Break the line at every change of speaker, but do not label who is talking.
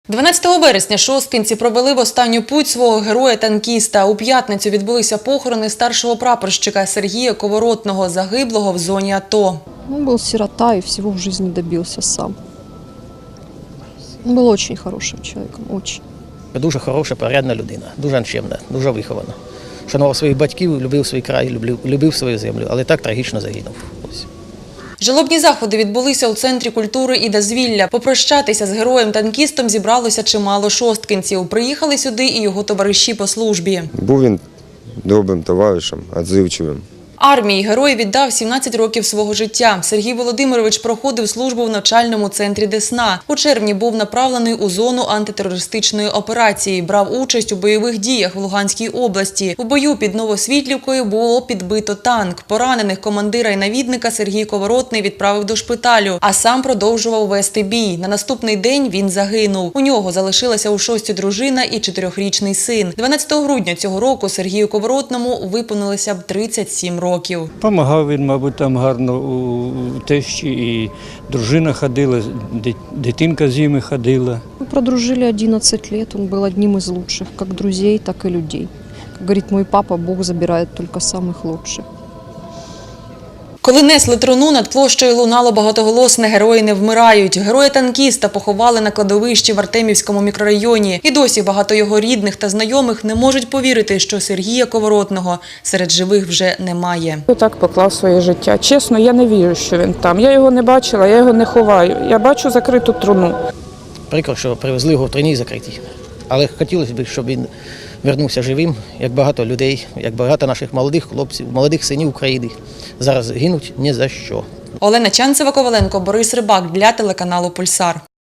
12 березня шосткинці провели в останню путь свого героя-танкіста. У п'ятницю відбулися похорони старшого прапорщика Сергія Коворотного, загиблого в зоні АТО.
Он был сирота и всего в жизни добился сам. Он был очень хорошим человеком, очень.
Дуже хороша, порядна людина, дуже чемна, дуже вихована. Шанував своїх батьків, любив свій край, любив свою землю, але так трагічно загинув. Ось.
Жалобні заходи відбулися у Центрі культури і дозвілля. Попрощатися з героєм-танкістом зібралося чимало шосткинців. Приїхали сюди і його товариші по службі.
Був він добрим товаришем, відзивчивим.
Армії герой віддав 17 років свого життя. Сергій Володимирович проходив службу в навчальному центрі Десна. У червні був направлений у зону антитерористичної операції. Брав участь у бойових діях в Луганській області. У бою під Новосвітлівкою було підбито танк. Поранених командира і навідника Сергій Коворотний відправив до шпиталю, а сам продовжував вести бій. На наступний день він загинув. У нього залишилася у шості дружина і 4-річний син. 12 грудня цього року Сергію Коворотному виповнилося б 37 років.
Помагав він, мабуть, там гарно у тещі, і дружина ходила, дитинка з ними ходила.
Мы продружили 11 лет, он был одним из лучших, как друзей, так и людей. Как говорит мой папа, Бог забирает только самых лучших.
Коли несли труну, над площею лунало багатоголосне «Герої не вмирають». Героя-танкіста поховали на кладовищі в Артемівському мікрорайоні. І досі багато його рідних та знайомих не можуть повірити, що Сергія Коворотного серед живих вже немає.
Так поклав своє життя. Чесно, я не вірю, що він там. Я його не бачила, я його не ховаю. Я бачу закриту труну.
Прикро, що привезли його в труні закриті. Але хотілося б, щоб він вернувся живим, як багато людей, як багато наших молодих хлопців, молодих синів України. Зараз гинуть ні за що.
Олена Чанцева-Коваленко, Борис Рибак для телеканалу «Пульсар».